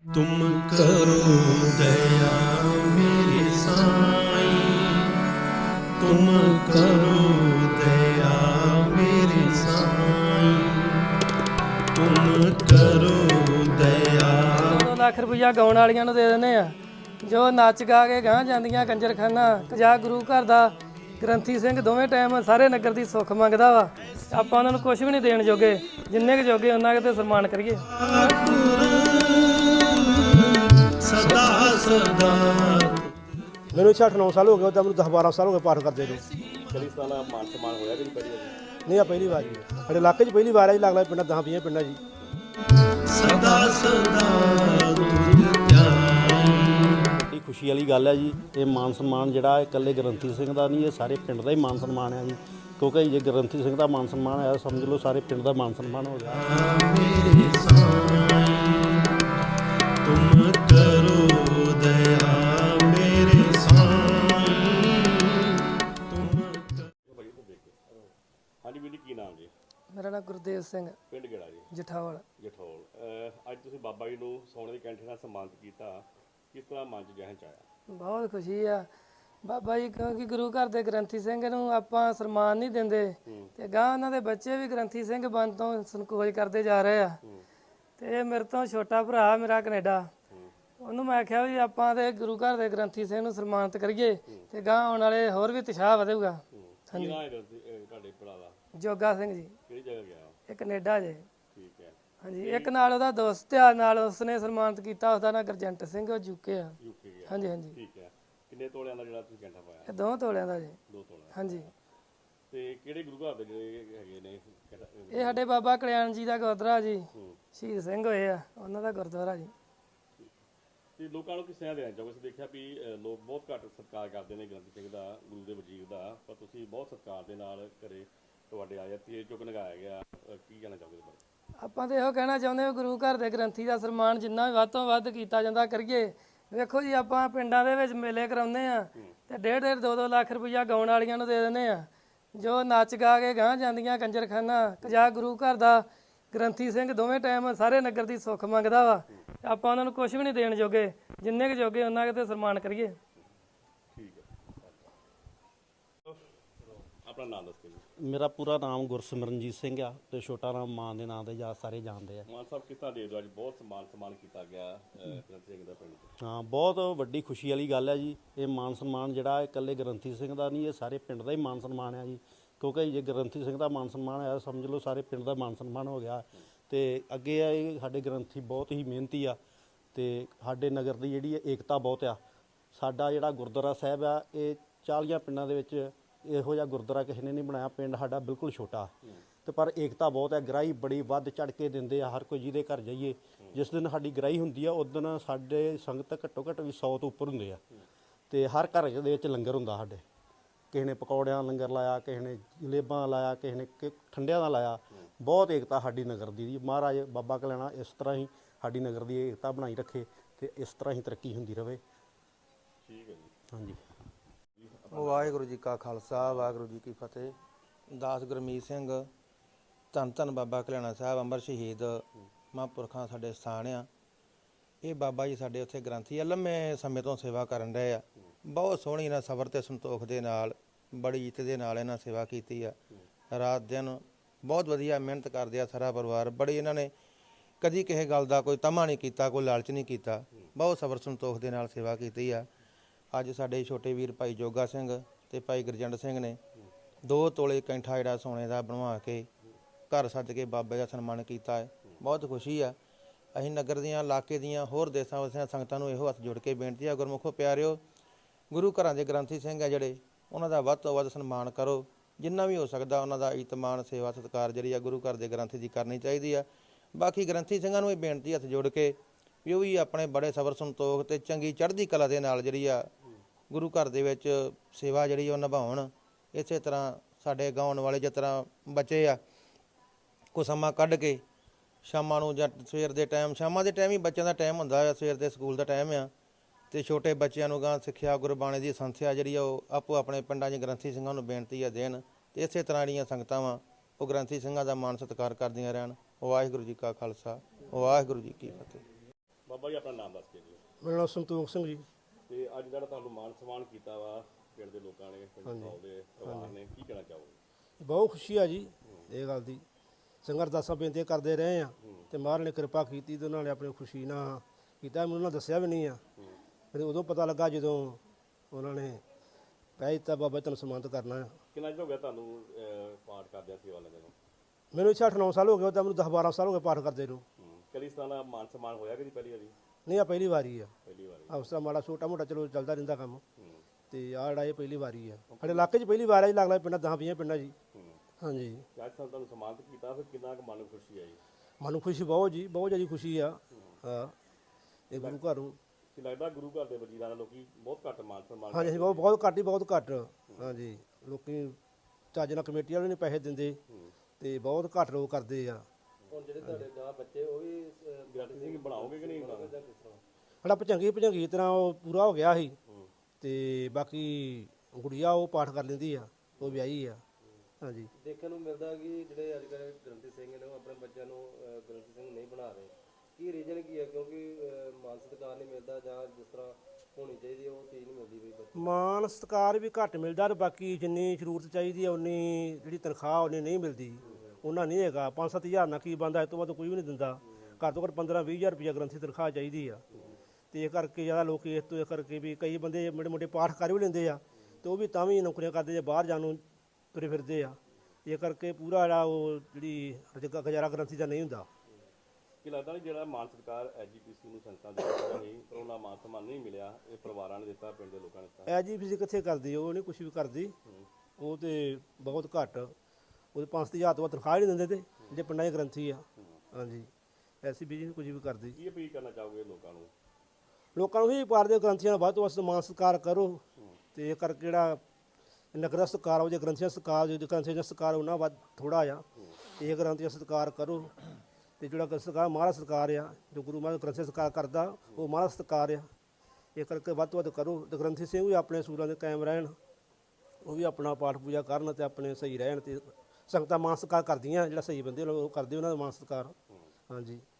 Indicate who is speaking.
Speaker 1: तुम करो दया मेरे साईं, तुम करो दया मेरे साईं, तुम करो दया।
Speaker 2: 2 ਲੱਖ ਰੁਪਈਆ ਗਾਉਣ ਵਾਲੀਆਂ ਨੂੰ ਦੇ ਦਿੰਦੇ ਆ, ਜੋ ਨੱਚ ਗਾ ਕੇ ਗਾਂ ਜਾਂਦੀਆਂ ਕੰਜਰਖਾਨਾ ਕਜਾ ਗੁਰੂ ਘਰ ਦਾ ਗ੍ਰੰਥੀ ਸਿੰਘ ਦੋਵੇਂ ਟਾਈਮ ਸਾਰੇ ਨਗਰ ਦੀ ਸੁੱਖ ਮੰਗਦਾ ਵਾ। ਆਪਾਂ ਉਹਨਾਂ ਨੂੰ ਕੁਝ ਵੀ ਨਹੀਂ ਦੇਣ ਜੋਗੇ, ਜਿੰਨੇ ਕੁ ਜੋਗੇ ਉਹਨਾਂ ਕੁ ਤੇ ਸਨਮਾਨ ਕਰੀਏ।
Speaker 1: सदा सदा
Speaker 3: ਮੈਨੂੰ 8-9 ਸਾਲ ਹੋ ਗਏ, ਤਾਂ ਮੈਨੂੰ 10-12 ਸਾਲ ਹੋ ਗਏ ਪਾਠ ਕਰਦੇ ਨੂੰ।
Speaker 4: ਕਦੀ ਸਾਲ ਮਾਨ ਸਨਮਾਨ ਹੋਇਆ ਕਿ ਨਹੀਂ ਪਹਿਲੀ ਵਾਰੀ?
Speaker 3: ਨਹੀਂ, ਆ ਪਹਿਲੀ ਵਾਰ ਜੀ ਸਾਡੇ ਇਲਾਕੇ 'ਚ ਪਹਿਲੀ ਵਾਰ ਹੈ ਜੀ। ਲੱਗਦਾ ਪਿੰਡਾਂ 10-20 ਪਿੰਡਾਂ ਜੀ।
Speaker 1: सदा सदा तुझ ध्याई।
Speaker 4: ਬੜੀ ਖੁਸ਼ੀ ਵਾਲੀ ਗੱਲ ਹੈ ਜੀ। ਇਹ ਮਾਨ ਸਨਮਾਨ ਜਿਹੜਾ ਇਕੱਲੇ ਗ੍ਰੰਥੀ ਸਿੰਘ ਦਾ ਨਹੀਂ, ਇਹ ਸਾਰੇ ਪਿੰਡ ਦਾ ਹੀ ਮਾਨ ਸਨਮਾਨ ਹੈ ਜੀ। ਕਿਉਂਕਿ ਜੇ ਗ੍ਰੰਥੀ ਸਿੰਘ ਦਾ ਮਾਨ ਸਨਮਾਨ ਹੈ, ਸਮਝ ਲਓ ਸਾਰੇ ਪਿੰਡ ਦਾ ਮਾਨ ਸਨਮਾਨ ਹੋ ਗਿਆ।
Speaker 1: मेरे साईं, तुम करो दया मेरे साईं, तुम
Speaker 4: ਹਾਂਜੀ ਵੀਰ ਜੀ, ਕੀ ਨਾਮ ਜੀ?
Speaker 2: ਮੇਰਾ ਨਾਮ ਗੁਰਦੇਵ ਸਿੰਘ,
Speaker 4: ਪਿੰਡ ਕਿਹੜਾ ਜੀ?
Speaker 2: ਜਠਾਵਲ।
Speaker 4: ਜਠੌਲ। ਅੱਜ ਤੁਸੀਂ ਬਾਬਾ ਜੀ ਨੂੰ ਸੋਨੇ ਦੀ ਕੈਂਠੇ ਨਾਲ ਸਨਮਾਨਿਤ ਕੀਤਾ, ਕਿਸ ਤਰ੍ਹਾਂ ਮਨ 'ਚ ਜਹਨ 'ਚ ਆਇਆ?
Speaker 2: ਬਹੁਤ ਖੁਸ਼ੀ ਆ ਬਾਬਾ ਜੀ, ਕਿਉਂਕਿ ਗੁਰੂ ਘਰ ਦੇ ਗ੍ਰੰਥੀ ਸਿੰਘ ਨੂੰ ਆਪਾਂ ਸਨਮਾਨ ਨਹੀਂ ਦਿੰਦੇ ਤੇ ਗਾਂ ਉਹਨਾਂ ਦੇ ਬੱਚੇ ਵੀ ਗ੍ਰੰਥੀ ਸਿੰਘ ਬਣ ਤੋਂ ਸੰਕੋਚ ਕਰਦੇ ਜਾ ਰਹੇ ਆ। ਤੇ ਇਹ ਮੇਰੇ ਤੋਂ ਛੋਟਾ ਭਰਾ ਮੇਰਾ ਕੈਨੇਡਾ, ਉਹਨੂੰ ਮੈਂ ਆਖਿਆ ਵੀ ਆਪਾਂ ਤੇ ਗੁਰੂ ਘਰ ਦੇ ਗ੍ਰੰਥੀ ਸਿੰਘ ਨੂੰ ਸਨਮਾਨਿਤ ਕਰੀਏ ਤੇ ਗਾਂ ਆਉਣ ਵਾਲੇ ਹੋਰ ਵੀ ਉਤਸ਼ਾਹ ਵਧੇਗਾ।
Speaker 4: ਕੀ ਨਾਂ ਹੈ ਤੁਹਾਡੇ ਭਰਾ ਦਾ?
Speaker 2: ਜੋਗਾ ਸਿੰਘ ਜੀ,
Speaker 4: ਕਿਹੜੀ ਜਗ੍ਹਾ ਗਿਆ?
Speaker 2: ਇਹ ਕੈਨੇਡਾ ਜੇ।
Speaker 4: ਠੀਕ ਹੈ।
Speaker 2: ਹਾਂਜੀ, ਇੱਕ ਨਾਲ ਉਹਦਾ ਦੋਸਤ ਆ, ਨਾਲ ਉਸਨੇ ਸਨਮਾਨਿਤ ਕੀਤਾ, ਉਹਦਾ ਨਾਂ ਗੁਰਜੰਟ ਸਿੰਘ, ਉਹ ਯੂਕੇ ਆ।
Speaker 4: ਯੂਕੇ ਗਿਆ।
Speaker 2: ਹਾਂਜੀ ਹਾਂਜੀ,
Speaker 4: ਠੀਕ ਹੈ। ਕਿੰਨੇ ਤੋਲਿਆਂ ਦਾ ਜਿਹੜਾ ਤੁਸੀਂ ਕੈਂਠਾ ਪਾਇਆ?
Speaker 2: ਇਹ 2 ਤੋਲਿਆਂ ਦਾ ਜੀ।
Speaker 4: 2 ਤੋਲਿਆਂ।
Speaker 2: ਹਾਂਜੀ,
Speaker 4: ਤੇ ਕਿਹੜੇ ਗੁਰੂ ਘਰ ਦੇ ਜਿਹੜੇ ਹੈਗੇ ਨੇ ਕੈਂਠਾ?
Speaker 2: ਇਹ ਸਾਡੇ ਬਾਬਾ ਕਲਿਆਣ ਜੀ ਦਾ ਗੁਰਦੁਆਰਾ ਜੀ, ਸ਼ਹੀਦ ਸਿੰਘ ਹੋਏ ਆ ਉਹਨਾਂ ਦਾ ਗੁਰਦੁਆਰਾ ਜੀ।
Speaker 4: ਤੇ ਲੋਕਾਂ ਨੂੰ ਕਿਸ ਤਰ੍ਹਾਂ ਦੇਣਾ ਚਾਹੋਗੇ? ਅਸੀਂ ਦੇਖਿਆ ਵੀ ਲੋਕ ਬਹੁਤ ਘੱਟ ਸਤਿਕਾਰ ਕਰਦੇ ਨੇ ਗ੍ਰੰਥੀ ਸਿੰਘ ਦਾ, ਗੁਰੂ ਦੇ ਵਜੀਰ ਦਾ, ਪਰ ਤੁਸੀਂ ਬਹੁਤ ਸਤਿਕਾਰ ਦੇ ਨਾਲ ਘਰੇ ਤੁਹਾਡੇ ਆਇਆ ਤੇ ਚੁੱਕ ਲਗਾਇਆ ਗਿਆ। ਕੀ ਕਹਿਣਾ ਚਾਹੋਗੇ ਇਸ ਬਾਰੇ?
Speaker 2: ਆਪਾਂ ਤਾਂ ਇਹੋ ਕਹਿਣਾ ਚਾਹੁੰਦੇ ਹਾਂ, ਗੁਰੂ ਘਰ ਦੇ ਗ੍ਰੰਥੀ ਦਾ ਸਨਮਾਨ ਜਿੰਨਾ ਵੀ ਵੱਧ ਤੋਂ ਵੱਧ ਕੀਤਾ ਜਾਂਦਾ ਕਰੀਏ। ਵੇਖੋ ਜੀ, ਆਪਾਂ ਪਿੰਡਾਂ ਦੇ ਵਿੱਚ ਮੇਲੇ ਕਰਾਉਂਦੇ ਆ ਤੇ 1.5-1.5 2-2 ਲੱਖ ਰੁਪਈਆ ਗਾਉਣ ਵਾਲੀਆਂ ਨੂੰ ਦੇ ਦਿੰਦੇ ਆ, ਜੋ ਨੱਚ ਗਾ ਕੇ ਗਾਂ ਜਾਂਦੀਆਂ ਕੰਜਰਖਾਨਾ ਕਜਾ ਗੁਰੂ ਘਰ ਦਾ ਗ੍ਰੰਥੀ ਸਿੰਘ ਦੋਵੇਂ ਟਾਈਮ ਸਾਰੇ ਨਗਰ ਦੀ ਸੁੱਖ ਮੰਗਦਾ ਵਾ। ਆਪਾਂ ਉਹਨਾਂ ਨੂੰ ਕੁਝ ਵੀ ਨਹੀਂ ਦੇਣ ਜੋਗੇ, ਜਿੰਨੇ ਕੁ ਜੋਗੇ ਉਹਨਾਂ ਕੁ ਤੇ ਸਨਮਾਨ ਕਰੀਏ।
Speaker 4: ਠੀਕ ਹੈ। ਆਪਣਾ ਨਾਮ ਦੱਸੋ ਜੀ।
Speaker 5: ਮੇਰਾ ਪੂਰਾ ਨਾਮ ਗੁਰਸਿਮਰਨਜੀਤ ਸਿੰਘ ਆ ਤੇ ਛੋਟਾ ਨਾਮ ਮਾਂ ਦੇ ਨਾਂ ਦੇ ਸਾਰੇ ਜਾਣਦੇ ਆ।
Speaker 4: ਮਾਨ ਸਾਹਿਬ ਕਿਸ ਤਰ੍ਹਾਂ ਦੇ ਦਿਓ? ਅੱਜ ਬਹੁਤ ਸਨਮਾਨ ਕੀਤਾ ਗਿਆ ਗ੍ਰੰਥੀ ਸਿੰਘ ਦਾ ਪਿੰਡ 'ਚ।
Speaker 5: ਹਾਂ, ਬਹੁਤ ਵੱਡੀ ਖੁਸ਼ੀ ਵਾਲੀ ਗੱਲ ਹੈ ਜੀ। ਇਹ ਮਾਨ ਸਨਮਾਨ ਜਿਹੜਾ ਇਕੱਲੇ ਗ੍ਰੰਥੀ ਸਿੰਘ ਦਾ ਨਹੀਂ, ਇਹ ਸਾਰੇ ਪਿੰਡ ਦਾ ਹੀ ਮਾਨ ਸਨਮਾਨ ਹੈ ਜੀ। ਕਿਉਂਕਿ ਜੇ ਗ੍ਰੰਥੀ ਸਿੰਘ ਦਾ ਮਾਨ ਸਨਮਾਨ ਹੋਇਆ, ਸਮਝ ਲਓ ਸਾਰੇ ਪਿੰਡ ਦਾ ਮਾਨ ਸਨਮਾਨ ਹੋ ਗਿਆ। ਤੇ ਅੱਗੇ ਆ, ਇਹ ਸਾਡੇ ਗ੍ਰੰਥੀ ਬਹੁਤ ਹੀ ਮਿਹਨਤੀ ਆ ਤੇ ਸਾਡੇ ਨਗਰ ਦੀ ਜਿਹੜੀ ਏਕਤਾ ਬਹੁਤ ਆ। ਸਾਡਾ ਜਿਹੜਾ ਗੁਰਦੁਆਰਾ ਸਾਹਿਬ ਆ, ਇਹ 40 ਪਿੰਡਾਂ ਦੇ ਵਿੱਚ ਇਹੋ ਜਿਹਾ ਗੁਰਦੁਆਰਾ ਕਿਸੇ ਨੇ ਨਹੀਂ ਬਣਾਇਆ। ਪਿੰਡ ਸਾਡਾ ਬਿਲਕੁਲ ਛੋਟਾ ਤੇ ਪਰ ਏਕਤਾ ਬਹੁਤ ਹੈ। ਗ੍ਰਾਹੀ ਬੜੀ ਵੱਧ ਚੜ ਕੇ ਦਿੰਦੇ ਆ, ਹਰ ਕੋਈ ਜਿਹਦੇ ਘਰ ਜਾਈਏ। ਜਿਸ ਦਿਨ ਸਾਡੀ ਗ੍ਰਾਹੀ ਹੁੰਦੀ ਆ, ਉਸ ਦਿਨ ਸਾਡੇ ਸੰਗਤ ਘੱਟੋ ਘੱਟ ਵੀ 100 ਤੋਂ ਉੱਪਰ ਹੁੰਦੇ ਆ ਤੇ ਹਰ ਘਰ ਦੇ ਵਿੱਚ ਲੰਗਰ ਹੁੰਦਾ ਸਾਡੇ। ਕਿਸੇ ਨੇ ਪਕੌੜਿਆਂ ਦਾ ਲੰਗਰ ਲਾਇਆ, ਕਿਸੇ ਨੇ ਜਲੇਬਾਂ ਲਾਇਆ, ਕਿਸੇ ਨੇ ਠੰਡਿਆਂ ਦਾ ਲਾਇਆ। ਬਹੁਤ ਏਕਤਾ ਸਾਡੀ ਨਗਰ ਦੀ ਜੀ। ਮਹਾਰਾਜ ਬਾਬਾ ਕਲਿਆਣਾ ਇਸ ਤਰ੍ਹਾਂ ਹੀ ਸਾਡੀ ਨਗਰ ਦੀ ਏਕਤਾ ਬਣਾਈ ਰੱਖੇ ਤੇ ਇਸ ਤਰ੍ਹਾਂ ਹੀ ਤਰੱਕੀ ਹੁੰਦੀ ਰਹੇ।
Speaker 4: ਠੀਕ ਹੈ ਜੀ।
Speaker 5: ਹਾਂਜੀ।
Speaker 6: ਵਾਹਿਗੁਰੂ ਜੀ ਕਾ ਖਾਲਸਾ, ਵਾਹਿਗੁਰੂ ਜੀ ਕੀ ਫਤਿਹ। ਦਾਸ ਗੁਰਮੀਤ ਸਿੰਘ, ਧੰਨ ਧੰਨ ਬਾਬਾ ਕਲਿਆਣਾ ਸਾਹਿਬ ਅੰਮ੍ਰਿਤ ਸ਼ਹੀਦ ਮਹਾਂਪੁਰਖਾਂ ਸਾਡੇ ਸਥਾਨ ਆ। ਇਹ ਬਾਬਾ ਜੀ ਸਾਡੇ ਉੱਥੇ ਗ੍ਰੰਥੀ ਆ, ਲੰਮੇ ਸਮੇਂ ਤੋਂ ਸੇਵਾ ਕਰਨ ਰਹੇ ਆ। ਬਹੁਤ ਸੋਹਣੀ ਇਹਨਾਂ ਸਬਰ ਤੇ ਸੰਤੋਖ ਦੇ ਨਾਲ, ਬੜੀ ਇੱਜ਼ਤ ਦੇ ਨਾਲ ਇਹਨਾਂ ਸੇਵਾ ਕੀਤੀ ਆ। ਰਾਤ ਦਿਨ ਬਹੁਤ ਵਧੀਆ ਮਿਹਨਤ ਕਰਦੇ ਆ ਸਾਰਾ ਪਰਿਵਾਰ। ਬੜੀ ਇਹਨਾਂ ਨੇ ਕਦੀ ਕਿਸੇ ਗੱਲ ਦਾ ਕੋਈ ਤਮਾ ਨਹੀਂ ਕੀਤਾ, ਕੋਈ ਲਾਲਚ ਨਹੀਂ ਕੀਤਾ। ਬਹੁਤ ਸਬਰ ਸੰਤੋਖ ਦੇ ਨਾਲ ਸੇਵਾ ਕੀਤੀ ਆ। ਅੱਜ ਸਾਡੇ ਛੋਟੇ ਵੀਰ ਭਾਈ ਜੋਗਾ ਸਿੰਘ ਤੇ ਭਾਈ ਗੁਰਜੰਟ ਸਿੰਘ ਨੇ 2 ਤੋਲੇ ਕੈਂਠਾ ਜਿਹੜਾ ਸੋਨੇ ਦਾ ਬਣਵਾ ਕੇ ਘਰ ਸੱਜ ਕੇ ਬਾਬੇ ਦਾ ਸਨਮਾਨ ਕੀਤਾ ਹੈ। ਬਹੁਤ ਖੁਸ਼ੀ ਆ। ਅਸੀਂ ਨਗਰ ਦੀਆਂ, ਇਲਾਕੇ ਦੀਆਂ, ਹੋਰ ਦੇਸਾਂ ਵਸਿਆਂ ਸੰਗਤਾਂ ਨੂੰ ਇਹੋ ਹੱਥ ਜੋੜ ਕੇ ਬੇਨਤੀ ਆ, ਗੁਰਮੁਖੋ ਪਿਆਰਿਓ, ਗੁਰੂ ਘਰਾਂ ਦੇ ਗ੍ਰੰਥੀ ਸਿੰਘ ਆ ਜਿਹੜੇ, ਉਹਨਾਂ ਦਾ ਵੱਧ ਤੋਂ ਵੱਧ ਸਨਮਾਨ ਕਰੋ। ਜਿੰਨਾ ਵੀ ਹੋ ਸਕਦਾ ਉਹਨਾਂ ਦਾ ਇਤਮਾਨ, ਸੇਵਾ, ਸਤਿਕਾਰ ਜਿਹੜੀ ਆ ਗੁਰੂ ਘਰ ਦੇ ਗ੍ਰੰਥੀ ਦੀ ਕਰਨੀ ਚਾਹੀਦੀ ਆ। ਬਾਕੀ ਗ੍ਰੰਥੀ ਸਿੰਘਾਂ ਨੂੰ ਇਹ ਬੇਨਤੀ ਹੱਥ ਜੋੜ ਕੇ ਵੀ ਉਹ ਵੀ ਆਪਣੇ ਬੜੇ ਸਬਰ ਸੰਤੋਖ ਤੇ ਚੰਗੀ ਚੜ੍ਹਦੀ ਕਲਾ ਦੇ ਨਾਲ ਜਿਹੜੀ ਆ ਗੁਰੂ ਘਰ ਦੇ ਵਿੱਚ ਸੇਵਾ ਜਿਹੜੀ ਉਹ ਨਿਭਾਉਣ। ਇਸੇ ਤਰ੍ਹਾਂ ਸਾਡੇ ਗਾਉਣ ਵਾਲੇ ਜਿਸ ਤਰ੍ਹਾਂ ਬੱਚੇ ਆ, ਕੋ ਸਮਾਂ ਕੱਢ ਕੇ ਸ਼ਾਮਾਂ ਨੂੰ ਜਾਂ ਸਵੇਰ ਦੇ ਟਾਈਮ, ਸ਼ਾਮਾਂ ਦੇ ਟਾਈਮ ਹੀ ਬੱਚਿਆਂ ਦਾ ਟਾਈਮ ਹੁੰਦਾ ਆ, ਸਵੇਰ ਦੇ ਸਕੂਲ ਦਾ ਟਾਈਮ ਆ, ਤੇ ਛੋਟੇ ਬੱਚਿਆਂ ਨੂੰ ਗਾਂ ਸਿੱਖਿਆ ਗੁਰਬਾਣੀ ਦੀ ਸੰਥਿਆ ਜਿਹੜੀ ਆ ਉਹ ਆਪੋ ਆਪਣੇ ਪਿੰਡਾਂ 'ਚ ਗ੍ਰੰਥੀ ਸਿੰਘਾਂ ਨੂੰ ਬੇਨਤੀ ਆ ਦੇਣ। ਤੇ ਇਸੇ ਤਰ੍ਹਾਂ ਜਿਹੜੀਆਂ ਸੰਗਤਾਂ ਵਾ ਉਹ ਗ੍ਰੰਥੀ ਸਿੰਘਾਂ ਦਾ ਮਾਣ ਸਤਿਕਾਰ ਕਰਦੀਆਂ ਰਹਿਣ। ਵਾਹਿਗੁਰੂ ਜੀ ਕਾ ਖਾਲਸਾ, ਵਾਹਿਗੁਰੂ ਜੀ ਕੀ ਫਤਿਹ।
Speaker 4: ਬਾਬਾ ਜੀ ਆਪਣਾ ਨਾਮ ਦੱਸ ਕੇ ਜੀ।
Speaker 3: ਮੇਰਾ ਨਾਮ ਸੰਤੋਖ ਸਿੰਘ ਜੀ।
Speaker 4: ਤੇ ਅੱਜ ਜਿਹੜਾ ਤੁਹਾਨੂੰ ਮਾਨ ਸਨਮਾਨ ਕੀਤਾ ਵਾ ਪਿੰਡ ਦੇ ਲੋਕਾਂ ਨੇ, ਪਿੰਡ ਦੇ ਪਰਿਵਾਰ ਨੇ, ਕੀ ਕਹਿਣਾ ਚਾਹੋਗੇ?
Speaker 3: ਬਹੁਤ ਖੁਸ਼ੀ ਆ ਜੀ ਇਹ ਗੱਲ ਦੀ। ਸੰਗਤ ਅਰਦਾਸਾਂ ਬੇਨਤੀਆਂ ਕਰਦੇ ਰਹੇ ਆ ਤੇ ਮਹਾਰਾਜ ਨੇ ਕਿਰਪਾ ਕੀਤੀ ਤੇ ਉਹਨਾਂ ਨੇ ਆਪਣੀ ਖੁਸ਼ੀ ਨਾਲ ਕੀਤਾ। ਮੈਨੂੰ ਉਹਨਾਂ ਦੱਸਿਆ ਵੀ ਨਹੀਂ ਆ, ਮੈਨੂੰ ਉਦੋਂ ਪਤਾ ਲੱਗਾ ਜਦੋਂ ਉਹਨਾਂ ਨੇ ਕਹਿ ਦਿੱਤਾ ਬਾਬਾ ਤੈਨੂੰ ਸਨਮਾਨਿਤ ਕਰਨਾ ਆ।
Speaker 4: ਕਿੰਨਾ ਚਿਰ ਹੋ ਗਿਆ ਤੁਹਾਨੂੰ ਪਾਠ ਕਰਦਿਆਂ ਸੇਵਾ ਲੈਂਦੇ ਨੂੰ?
Speaker 3: ਮੈਨੂੰ ਇੱਥੇ 8-9 ਸਾਲ ਹੋ ਗਏ, ਤਾਂ ਮੈਨੂੰ 10-12 ਸਾਲ ਹੋ ਗਏ ਪਾਠ ਕਰਦੇ ਨੂੰ।
Speaker 4: ਕਦੀ ਇਸ ਤਰ੍ਹਾਂ ਦਾ ਮਾਨ ਸਨਮਾਨ ਹੋਇਆ ਕਦੀ ਪਹਿਲੀ ਵਾਰੀ?
Speaker 3: ਨਹੀਂ, ਆ ਪਹਿਲੀ ਵਾਰੀ ਆ।
Speaker 4: ਪਹਿਲੀ ਵਾਰੀ।
Speaker 3: ਉਸ ਤਰ੍ਹਾਂ ਮਾੜਾ ਛੋਟਾ ਮੋਟਾ ਚਲੋ ਚੱਲਦਾ ਰਹਿੰਦਾ ਕੰਮ, ਤੇ ਆਹ ਜਿਹੜਾ ਇਹ ਪਹਿਲੀ ਵਾਰੀ ਆ ਸਾਡੇ ਇਲਾਕੇ 'ਚ ਪਹਿਲੀ ਵਾਰ ਆ ਜੀ। ਲੱਗਦਾ ਪਿੰਡਾਂ 10-20 ਪਿੰਡਾਂ ਜੀ। ਹਾਂਜੀ,
Speaker 4: ਅੱਜ ਤੁਹਾਨੂੰ ਸਨਮਾਨਿਤ ਕੀਤਾ, ਫਿਰ ਕਿੰਨਾ ਕੁ ਮਨ ਨੂੰ ਖੁਸ਼ੀ ਆਈ?
Speaker 3: ਮਨ ਖੁਸ਼ੀ ਬਹੁਤ ਜੀ, ਬਹੁਤ ਜ਼ਿਆਦਾ ਖੁਸ਼ੀ ਆ। ਹਾਂ, ਇਹ ਗੁਰੂ ਘਰ ਨੂੰ।
Speaker 4: ਕੀ ਲੱਗਦਾ ਗੁਰੂ ਘਰ ਦੇ ਵਜ਼ੀਰਾਂ ਨਾਲ ਲੋਕੀ ਬਹੁਤ ਘੱਟ ਮਾਨ ਸਨਮਾਨ
Speaker 3: ਹਾਂਜੀ ਹਾਂਜੀ, ਬਹੁਤ ਘੱਟ ਹੀ, ਬਹੁਤ ਘੱਟ। ਹਾਂਜੀ, ਲੋਕੀ ਚੱਜ ਨਾਲ ਕਮੇਟੀ ਵਾਲੇ ਨਹੀਂ ਪੈਸੇ ਦਿੰਦੇ ਤੇ ਬਹੁਤ ਘੱਟ ਲੋਕ ਕਰਦੇ ਆ।
Speaker 7: ਹੁਣ ਜਿਹੜੇ ਤੁਹਾਡੇ ਗਾਂ ਬੱਚੇ ਉਹ ਵੀ
Speaker 4: ਗ੍ਰੰਥੀ ਸਿੰਘ ਬਣਾਓਗੇ ਕਿ ਨਹੀਂ ਬਣਾਓਗੇ?
Speaker 3: ਸਾਡਾ ਭਜੰਗੀ ਤਰ੍ਹਾਂ ਉਹ ਪੂਰਾ ਹੋ ਗਿਆ ਸੀ ਤੇ ਬਾਕੀ ਗੁੜੀਆ ਉਹ ਪਾਠ ਕਰ ਲੈਂਦੀ ਆ, ਉਹ ਵਿਆਹੀ ਆ। ਹਾਂਜੀ,
Speaker 7: ਦੇਖਣ ਨੂੰ ਮਿਲਦਾ ਕਿ ਜਿਹੜੇ ਅੱਜ ਕੱਲ੍ਹ ਗ੍ਰੰਥੀ ਸਿੰਘ ਨੇ ਉਹ ਆਪਣੇ ਬੱਚਿਆਂ ਨੂੰ ਗ੍ਰੰਥੀ ਸਿੰਘ ਨਹੀਂ ਬਣਾ ਰਹੇ। ਕੀ ਰੀਜ਼ਨ ਕੀ ਹੈ? ਕਿਉਂਕਿ ਮਾਨ ਸਤਿਕਾਰ ਨਹੀਂ ਮਿਲਦਾ ਜਾਂ ਜਿਸ ਤਰ੍ਹਾਂ ਹੋਣੀ ਚਾਹੀਦੀ ਉਹ ਚੀਜ਼ ਨਹੀਂ ਮਿਲਦੀ ਬਈ।
Speaker 3: ਮਾਨ ਸਤਿਕਾਰ ਵੀ ਘੱਟ ਮਿਲਦਾ ਤੇ ਬਾਕੀ ਜਿੰਨੀ ਜ਼ਰੂਰਤ ਚਾਹੀਦੀ ਆ ਉਨੀ ਜਿਹੜੀ ਤਨਖਾਹ ਉਨੀ ਨਹੀਂ ਮਿਲਦੀ। ਉਹਨਾਂ ਨਹੀਂ ਹੈਗਾ। 5-7 ਹਜ਼ਾਰ ਨਾਲ ਕੀ ਬਣਦਾ? ਇਸ ਤੋਂ ਵੱਧ ਕੋਈ ਵੀ ਨਹੀਂ ਦਿੰਦਾ। ਘੱਟ ਤੋਂ ਘੱਟ 15-20 ਹਜ਼ਾਰ ਰੁਪਇਆ ਗ੍ਰੰਥੀ ਤਨਖਾਹ ਚਾਹੀਦੀ ਆ। ਤੇ ਇਹ ਕਰਕੇ ਜ਼ਿਆਦਾ ਲੋਕ ਇਸ ਤੋਂ ਇਹ ਕਰਕੇ ਵੀ ਕਈ ਬੰਦੇ ਮੋਟੇ ਮੋਟੇ ਪਾਠ ਕਰ ਵੀ ਲੈਂਦੇ ਆ ਤੇ ਉਹ ਵੀ ਤਾਂ ਵੀ ਨੌਕਰੀਆਂ ਕਰਦੇ ਜੇ ਬਾਹਰ ਜਾਣ ਨੂੰ ਤੁਰੇ ਫਿਰਦੇ ਆ। ਇਹ ਕਰਕੇ ਪੂਰਾ ਜਿਹੜਾ ਉਹ ਜਿਹੜੀ ਗੁਜ਼ਾਰਾ ਗ੍ਰੰਥੀ ਦਾ ਨਹੀਂ ਹੁੰਦਾ।
Speaker 4: ਕੀ ਲੱਗਦਾ ਨਹੀਂ ਜਿਹੜਾ ਮਾਨ ਸਤਿਕਾਰ ਐਜੀਪੀਸੀ ਨੂੰ ਸੰਸਥਾ ਦੇ ਦਿੱਤਾ ਸੀ ਪਰ ਉਹਨਾਂ ਮਾਨ ਸਨਮਾਨ ਨਹੀਂ ਮਿਲਿਆ, ਇਹ ਪਰਿਵਾਰਾਂ ਨੇ ਦਿੱਤਾ, ਪਿੰਡ ਦੇ ਲੋਕਾਂ ਨੇ ਦਿੱਤਾ?
Speaker 3: ਐਜੀਪੀਸੀ ਕਿੱਥੇ ਕਰਦੀ? ਉਹ ਨਹੀਂ ਕੁਛ ਵੀ ਕਰਦੀ। ਉਹ ਤੇ ਬਹੁਤ ਘੱਟ, ਉਹਦੇ 5 ਹਜ਼ਾਰ ਤੋਂ ਵੱਧ ਤਨਖਾਹ ਨਹੀਂ ਦਿੰਦੇ ਤੇ ਜਿਹੜੇ ਪਿੰਡਾਂ ਦੇ ਗ੍ਰੰਥੀ ਆ। ਹਾਂਜੀ, ਐਸੀ ਬੀਜੀ ਨਹੀਂ ਕੁਝ ਵੀ ਕਰਦੀ।
Speaker 4: ਕੀ ਅਪੀਲ ਕਰਨਾ ਚਾਹੋਗੇ ਲੋਕਾਂ ਨੂੰ?
Speaker 3: ਲੋਕਾਂ ਨੂੰ ਵੀ ਪਾਰ ਦੇ ਗ੍ਰੰਥੀਆਂ ਦਾ ਵੱਧ ਤੋਂ ਵੱਧ ਮਾਨ ਸਤਿਕਾਰ ਕਰੋ ਤੇ ਇਹ ਕਰਕੇ ਜਿਹੜਾ ਨਗਰ ਦਾ ਸਤਿਕਾਰ ਹੋ ਜੇ ਗ੍ਰੰਥੀਆਂ ਸਤਿਕਾਰ, ਜੇ ਗ੍ਰੰਥੀਆਂ ਦਾ ਸਤਿਕਾਰ ਉਹਨਾਂ ਵੱਧ ਥੋੜ੍ਹਾ ਆ। ਇਹ ਗ੍ਰੰਥੀਆਂ ਸਤਿਕਾਰ ਕਰੋ ਤੇ ਜਿਹੜਾ ਸਤਿਕਾਰ ਮਹਾਰਾਜ ਸਤਿਕਾਰ ਆ, ਜੋ ਗੁਰੂ ਮਹਾਰਾਜ ਗ੍ਰੰਥੀ ਸਤਿਕਾਰ ਕਰਦਾ ਉਹ ਮਹਾਰਾਜ ਸਤਿਕਾਰ ਆ। ਇਹ ਕਰਕੇ ਵੱਧ ਤੋਂ ਵੱਧ ਕਰੋ ਤੇ ਗ੍ਰੰਥੀ ਸਿੰਘ ਵੀ ਆਪਣੇ ਸੂਰਾਂ ਦੇ ਕਾਇਮ ਰਹਿਣ, ਉਹ ਵੀ ਆਪਣਾ ਪਾਠ ਪੂਜਾ ਕਰਨ ਤੇ ਆਪਣੇ ਸਹੀ ਰਹਿਣ ਤੇ ਸੰਗਤਾਂ ਮਾਨ ਸਤਿਕਾਰ ਕਰਦੀਆਂ। ਜਿਹੜਾ ਸਹੀ ਬੰਦੇ ਉਹ ਕਰਦੇ ਉਹਨਾਂ ਦਾ ਮਾਨ ਸਤਿਕਾਰ। ਹਾਂਜੀ।